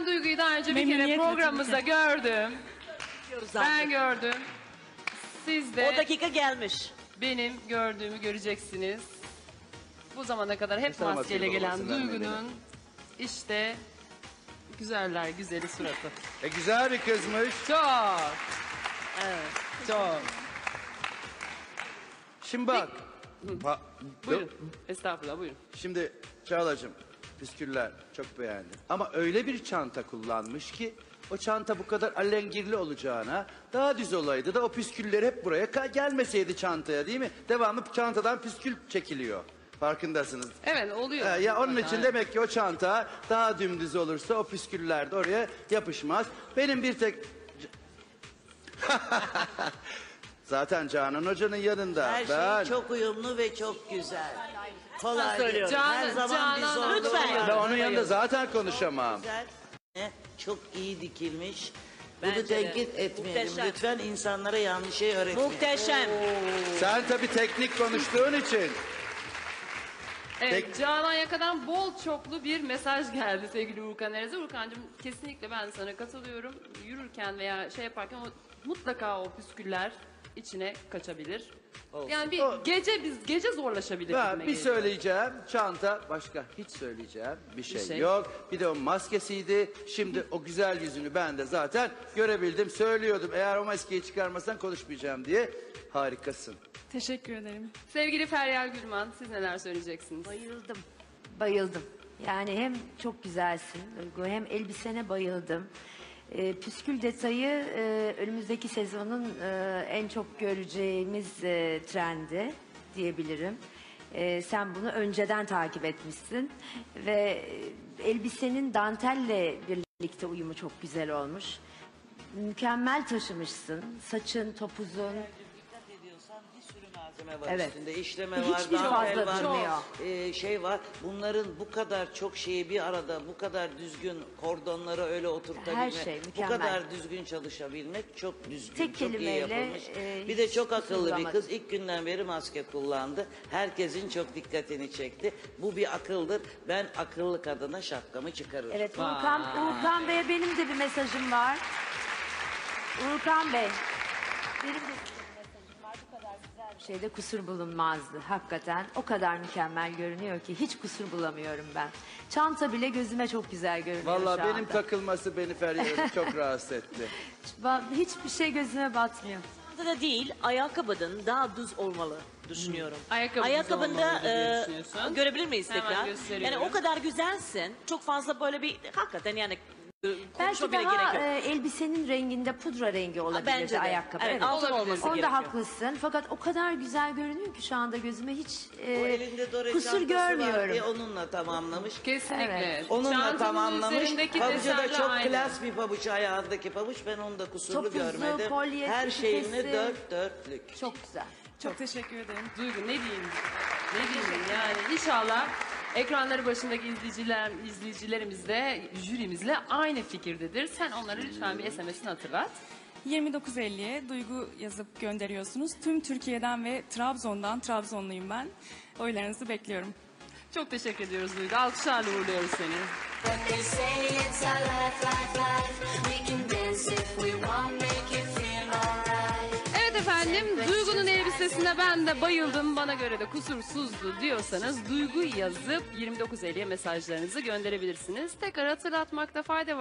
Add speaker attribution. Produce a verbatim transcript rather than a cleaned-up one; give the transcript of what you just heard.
Speaker 1: Ben Duygu'yu daha önce bir kere
Speaker 2: Memnuniyetle
Speaker 1: programımızda gördüm. Ben gördüm. Siz de
Speaker 3: O dakika gelmiş.
Speaker 1: benim gördüğümü göreceksiniz. Bu zamana kadar hep
Speaker 4: Sana
Speaker 1: maskeyle
Speaker 4: maske
Speaker 1: gelen
Speaker 4: babasından
Speaker 1: Duygu'nun işte güzeller güzeli suratı.
Speaker 4: E güzel bir kızmış.
Speaker 1: Çok. Evet, çok.
Speaker 4: Şimdi bak. Ha,
Speaker 1: Buyurun. Estağfurullah, buyurun.
Speaker 4: Şimdi Çağla'cığım, püsküller çok beğendim. Ama öyle bir çanta kullanmış ki o çanta bu kadar alengirli olacağına daha düz olaydı da o püsküller hep buraya ka- gelmeseydi çantaya, değil mi? Devamlı çantadan püskül çekiliyor. Farkındasınız.
Speaker 1: Evet, oluyor.
Speaker 4: Ee, ya onun
Speaker 1: Zaten.
Speaker 4: için demek ki o çanta daha dümdüz olursa o püsküller de oraya yapışmaz. Benim bir tek... Zaten Canan Hoca'nın yanında.
Speaker 5: Her
Speaker 4: ben...
Speaker 5: şey çok uyumlu ve çok güzel. Kolay
Speaker 3: söylüyorum.
Speaker 5: değil. Her
Speaker 1: Canan-
Speaker 5: zaman bir
Speaker 1: Canan
Speaker 5: zorluğu
Speaker 3: Lütfen.
Speaker 5: var.
Speaker 4: Ben onun yanında zaten konuşamam.
Speaker 5: Güzel. Çok iyi dikilmiş.
Speaker 3: Bence
Speaker 5: Bunu
Speaker 3: de.
Speaker 5: tenkit etmeyelim.
Speaker 3: Muhteşem.
Speaker 5: Lütfen insanlara yanlış şey öğretmeyin.
Speaker 3: Muhteşem.
Speaker 4: Sen tabii teknik konuştuğun için.
Speaker 1: Evet,
Speaker 4: Peki.
Speaker 1: Canan Yaka'dan bol çoklu bir mesaj geldi sevgili Urkan Erez'e. Urkan'cığım kesinlikle ben sana katılıyorum. Yürürken veya şey yaparken o, mutlaka o püsküller içine kaçabilir. Yani bir
Speaker 4: O-
Speaker 1: gece biz gece zorlaşabilir.
Speaker 4: Ben
Speaker 1: gibime
Speaker 4: bir
Speaker 1: geliyor.
Speaker 4: söyleyeceğim çanta, başka hiç söyleyeceğim bir şey,
Speaker 1: şey.
Speaker 4: yok. Bir de o maskesiydi. Şimdi o güzel yüzünü ben de zaten görebildim. Söylüyordum eğer o maskeyi çıkarmasan konuşmayacağım diye. Harikasın.
Speaker 2: Teşekkür ederim.
Speaker 1: Sevgili Feryal Gülman, siz neler söyleyeceksiniz?
Speaker 6: Bayıldım. Bayıldım. Yani hem çok güzelsin Duygu, hem elbisene bayıldım. Ee, püskül detayı e, önümüzdeki sezonun e, en çok göreceğimiz e, trendi diyebilirim. E, sen bunu önceden takip etmişsin ve e, elbisenin dantelle birlikte uyumu çok güzel olmuş. Mükemmel taşımışsın. Saçın, topuzun.
Speaker 5: Dikkat ediyorsan bir sürü malzeme var
Speaker 6: Evet.
Speaker 5: üstünde. İşleme
Speaker 6: Ve
Speaker 5: var,
Speaker 6: hiçbiri
Speaker 5: dantel
Speaker 6: fazla
Speaker 5: var,
Speaker 6: durmuyor.
Speaker 5: e, şey var. Bunların bu kadar çok şeyi bir arada, bu kadar düzgün kordonlara öyle oturtabilmek,
Speaker 6: Her şey
Speaker 5: bu
Speaker 6: mükemmel.
Speaker 5: kadar düzgün çalışabilmek çok düzgün,
Speaker 6: Tek
Speaker 5: çok iyi
Speaker 6: kelimeyle,
Speaker 5: yapılmış.
Speaker 6: e,
Speaker 5: bir de
Speaker 6: hiç
Speaker 5: çok akıllı bir
Speaker 6: kusurlamadı.
Speaker 5: kız. İlk günden beri maske kullandı. Herkesin çok dikkatini çekti. Bu bir akıldır. Ben akıllı kadına şapkamı çıkarırım.
Speaker 6: Evet, Urkan, Urkan Bey'e benim de bir mesajım var. Urkan Bey, benim de size bir mesajım var. Bu kadar güzel bir şeyde kusur bulunmazdı. Hakikaten o kadar mükemmel görünüyor ki hiç kusur bulamıyorum ben. Çanta bile gözüme çok güzel görünüyor
Speaker 4: Vallahi
Speaker 6: şu
Speaker 4: benim
Speaker 6: anda.
Speaker 4: takılması beni Feryal'ı çok rahatsız etti.
Speaker 6: Va- Hiçbir şey gözüme batmıyor.
Speaker 3: Da değil, ayakkabının daha düz olmalı düşünüyorum.
Speaker 1: Ayakkabı düz
Speaker 3: Ayakkabında
Speaker 1: olmalı diye
Speaker 3: e,
Speaker 1: düşünüyorsun.
Speaker 3: görebilir miyiz
Speaker 1: Hemen
Speaker 3: tekrar?
Speaker 1: gösteriyorum.
Speaker 3: Yani o kadar güzelsin. Çok fazla böyle bir hakikaten yani e,
Speaker 6: Belki
Speaker 3: konuşma bile
Speaker 6: daha
Speaker 3: gerek yok.
Speaker 6: e, elbisenin renginde pudra rengi olabilirdi
Speaker 3: bence de.
Speaker 6: ayakkabı.
Speaker 3: Evet, altın olması
Speaker 6: Onda
Speaker 3: gerekiyor.
Speaker 6: haklısın. Fakat o kadar güzel görünüyor ki şu anda gözüme hiç e,
Speaker 5: O elinde Dore
Speaker 6: kusur
Speaker 5: çantası var
Speaker 6: görmüyorum.
Speaker 5: diye onunla tamamlamış.
Speaker 1: Kesinlikle.
Speaker 6: Evet.
Speaker 5: Onunla
Speaker 1: Çantanın
Speaker 5: tamamlamış.
Speaker 1: üzerindeki
Speaker 5: Pabucu da
Speaker 1: desenle
Speaker 5: çok
Speaker 1: aynı.
Speaker 5: klas bir pabuç, ayağındaki pabuç. Ben onu da kusurlu
Speaker 6: Topuzu,
Speaker 5: görmedim.
Speaker 6: kolyesi,
Speaker 5: Her şeyini
Speaker 6: küpesi.
Speaker 5: dört dörtlük.
Speaker 6: Çok güzel.
Speaker 2: Çok teşekkür ederim.
Speaker 1: Duygu ne diyeyim? Ne diyeyim yani inşallah ekranları başındaki izleyiciler, izleyicilerimiz de jürimizle aynı fikirdedir. Sen onlara lütfen bir S M S'ini hatırlat.
Speaker 2: yirmi dokuz elliye Duygu yazıp gönderiyorsunuz. Tüm Türkiye'den ve Trabzon'dan, Trabzonluyum ben. Oylarınızı bekliyorum.
Speaker 1: Çok teşekkür ediyoruz Duygu. Alkışlarla uğurluyoruz seni.
Speaker 7: They say it's a life, life, life. We can dance if we want, make it feel alright.
Speaker 1: Evet efendim, Duygu'nun elbisesine ben de bayıldım. Bana göre de kusursuzdu diyorsanız Duygu yazıp yirmi dokuz elliye mesajlarınızı gönderebilirsiniz. Tekrar hatırlatmakta fayda var.